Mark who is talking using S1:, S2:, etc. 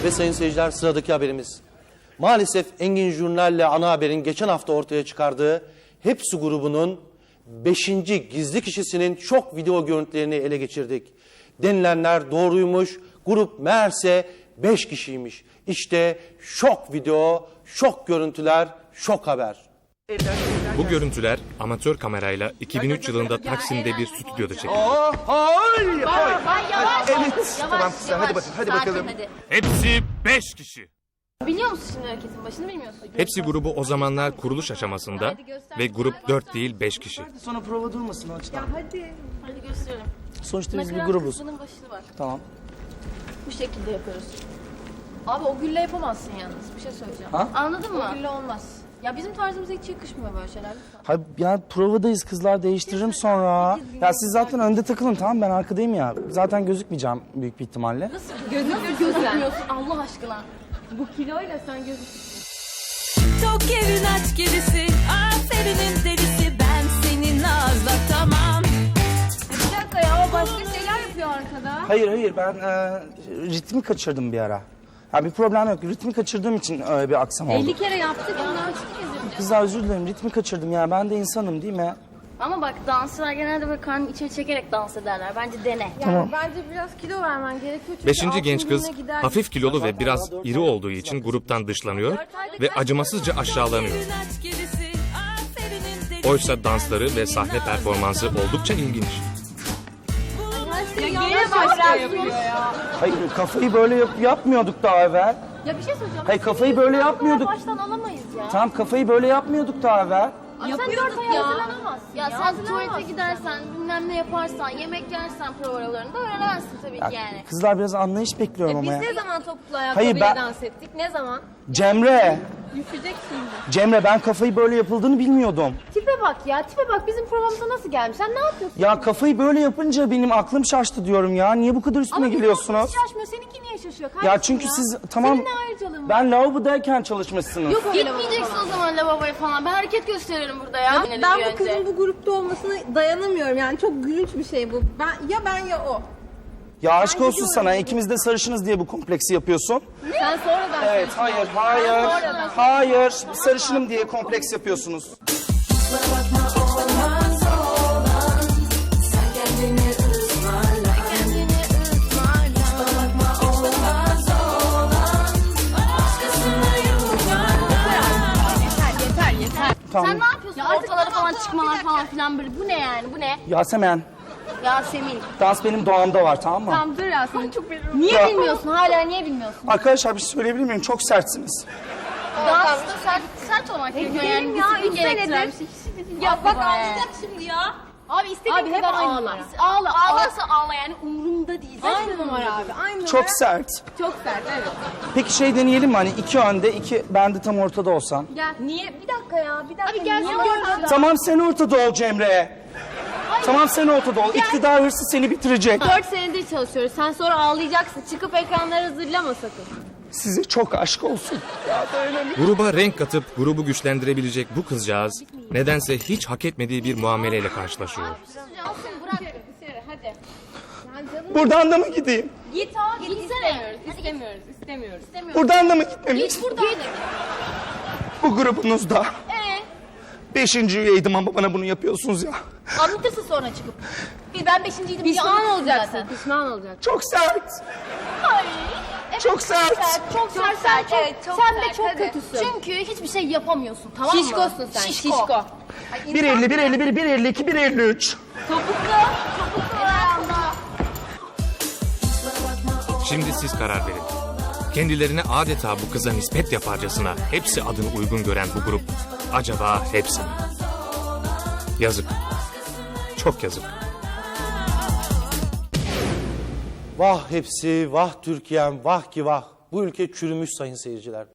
S1: Ve sayın seyirciler, sıradaki haberimiz. Maalesef Engin Jurnal'le Ana Haber'in geçen hafta ortaya çıkardığı Hepsi grubunun 5. gizli kişisinin şok video görüntülerini ele geçirdik. Denilenler doğruymuş, grup meğerse 5 kişiymiş. İşte şok video, şok görüntüler, şok haber.
S2: Bu görüntüler amatör kamerayla 2003 yılında Taksim'de bir stüdyoda çekildi.
S3: Hayır.
S4: Yavaş.
S3: Evet. Tamam kızlar, hadi bakalım.
S2: Hepsi 5 kişi.
S4: Biliyor musun şimdi hareketin başını bilmiyorsun.
S2: Hepsi grubu o zamanlar kuruluş aşamasında ve grup 4 değil 5 kişi.
S3: Sonra prova durmasın o açıdan.
S4: Hadi gösterelim.
S3: Sonuçta biz bir
S4: Nakarat
S3: grubuz.
S4: kısmının başlığı var.
S3: Tamam.
S4: Bu şekilde yapıyoruz. Abi o gülle yapamazsın yalnız. Bir şey söyleyeceğim.
S3: Ha?
S4: Anladın mı? O gülle olmaz. Ya bizim tarzımıza hiç yakışmıyor böyle şeyler. Lütfen.
S3: Hayır ya provadayız kızlar, değiştiririm sonra. Ya siz zaten önde takılın, tamam, ben arkadayım ya. Zaten gözükmeyeceğim büyük bir ihtimalle.
S4: Nasıl gözükmüyorsun Allah aşkına? Bu kiloyla sen gözüküyorsun.
S5: Tok evin aç gerisi, aferinin delisi, ben senin nazla tamam.
S4: Bir dakika ya o başka şeyler yapıyor arkada.
S3: Hayır ben ritmi kaçırdım bir ara. Ya bir problem yok, ritmi kaçırdığım için öyle bir aksam oldu.
S4: 50 kere yaptık ondan çıkıyoruz.
S3: Kızlar özür dilerim, ritmi kaçırdım ya, ben de insanım değil mi?
S4: Ama bak dansçılar genelde böyle karnını içeri çekerek dans ederler. Bence dene.
S3: Tamam.
S6: Bence biraz kilo vermen gerekiyor. Çünkü
S2: 5.
S6: altın
S2: genç kız
S6: gününe gider.
S2: hafif kilolu ve biraz iri olduğu için gruptan dışlanıyor ve acımasızca aşağılanıyor.
S5: Evin aç gerisi, aferinin delisi.
S2: Oysa dansları ve sahne performansı oldukça ilginç.
S4: Yine başlar yapıyor ya.
S3: Hayır, kafayı böyle yapmıyorduk daha evvel.
S4: Ya bir şey söyleyeceğim.
S3: Hayır, kafayı böyle yapmıyorduk.
S4: Baştan alamayız ya.
S3: Tamam, kafayı böyle yapmıyorduk daha evvel.
S4: Sen 4 ay hazırlanamazsın. Ya sen tuvalete gidersen, bilmem ne yaparsan, yemek yersen provalarında öğrenemezsin tabii ki yani.
S3: Kızlar biraz anlayış bekliyorum ama ya.
S6: Biz ne zaman topuklu
S3: Hayır,
S6: ayakkabıyla
S3: ben-
S6: dans ettik? Ne zaman?
S3: Cemre,
S6: Düşecek şimdi.
S3: Cemre ben kafayı böyle yapıldığını bilmiyordum.
S4: Tipe bak ya, tipe bak bizim programımıza nasıl gelmiş? Sen ne yapıyorsun?
S3: Ya kafayı böyle yapınca benim aklım şaştı diyorum ya. Niye bu kadar üstüme geliyorsunuz?
S4: Hiç şaşmıyor. Seninki niye şaşıyor?
S3: Ya
S4: Kardeşim
S3: çünkü siz tamam,
S4: Senin ne ayrıcalığın var?
S3: ben lavabodayken çalışmışsınız.
S4: Yok gitmeyeceksin o zaman lavaboya falan. Ben hareket gösteririm burada ya.
S6: Ben bu kızın bu grupta olmasına dayanamıyorum. Yani çok gülünç bir şey bu. Ben ya o.
S3: Ya aşk olsun sana, ikimiz de sarışınız diye bu kompleksi yapıyorsun.
S6: Sen sonradan
S3: Evet, hayır. Sarışınım diye kompleks yapıyorsunuz. Tamam.
S4: Sen ne yapıyorsun? Ortalara falan çıkmalar falan filan böyle. Bu ne yani? Bu ne?
S3: Yasemen,
S4: Yasemin.
S3: dans benim doğamda var, tamam mı?
S6: Tamam dur ya sen çok
S4: Niye
S3: Ya.
S4: bilmiyorsun? Hala niye bilmiyorsun?
S3: Arkadaşlar bir şey söyleyebilir miyim? Çok sertsiniz.
S4: Dansta sert olmak gerekiyor yani.
S6: ya,
S4: Disiplin
S6: üç
S4: gerektiren
S6: senedir.
S4: bir şey.
S6: Ya bak ağlayacak şimdi ya.
S4: Abi istediğin
S6: Abi hep
S4: kadar
S6: ağla.
S4: ağla. Ağlarsa ağla yani umurumda değil.
S6: Aynı numara abi. Aynı numara.
S3: Çok sert.
S6: Çok sert evet.
S3: Peki şey deneyelim mi, hani 2 önde, 2 ben de tam ortada olsam?
S6: Gel. Niye? Bir dakika ya. Bir dakika.
S4: Abi gel
S6: Niye
S4: sen
S6: orada?
S4: orada.
S3: Tamam, sen ortada ol Cemre. Tamam, sen ortada ol. İktidar hırsı seni bitirecek.
S6: 4 senedir çalışıyoruz. Sen sonra ağlayacaksın. Çıkıp ekranları zırlama sakın.
S3: Size çok aşk olsun.
S2: Gruba renk katıp grubu güçlendirebilecek bu kızcağız nedense hiç hak etmediği bir muameleyle karşılaşıyor.
S4: Alsın bırak.
S6: Hadi.
S3: Buradan da mı gideyim?
S6: Git abi.
S4: Gitsene.
S6: İstemiyoruz.
S3: Buradan da mı gitmem?
S4: Git buradan.
S3: Bu grubunuzda 5. üyeydim ama bana bunu yapıyorsunuz ya.
S4: Anlatırsın sonra çıkıp. Ben 5.'ydim diye
S6: Pişman
S4: anlatırsın
S6: olacaksın.
S4: zaten.
S6: Pişman olacaksın.
S3: Çok sert.
S4: Ay.
S3: Çok sert.
S4: Çok sert.
S6: Evet, çok
S4: sen de
S6: sert,
S4: çok
S6: hadi.
S4: kötüsün. Çünkü hiçbir şey yapamıyorsun, tamam mı?
S6: Şişkosun sen. Şişko.
S3: 1.50, 1.51, 1.52, 1.53.
S2: Şimdi siz karar verin. Kendilerine adeta bu kıza nispet yaparcasına hepsi adını uygun gören bu grup acaba hepsi mi? Yazık. Çok yazık.
S1: Vah hepsi, vah Türkiye'm, vah ki vah. Bu ülke çürümüş sayın seyirciler.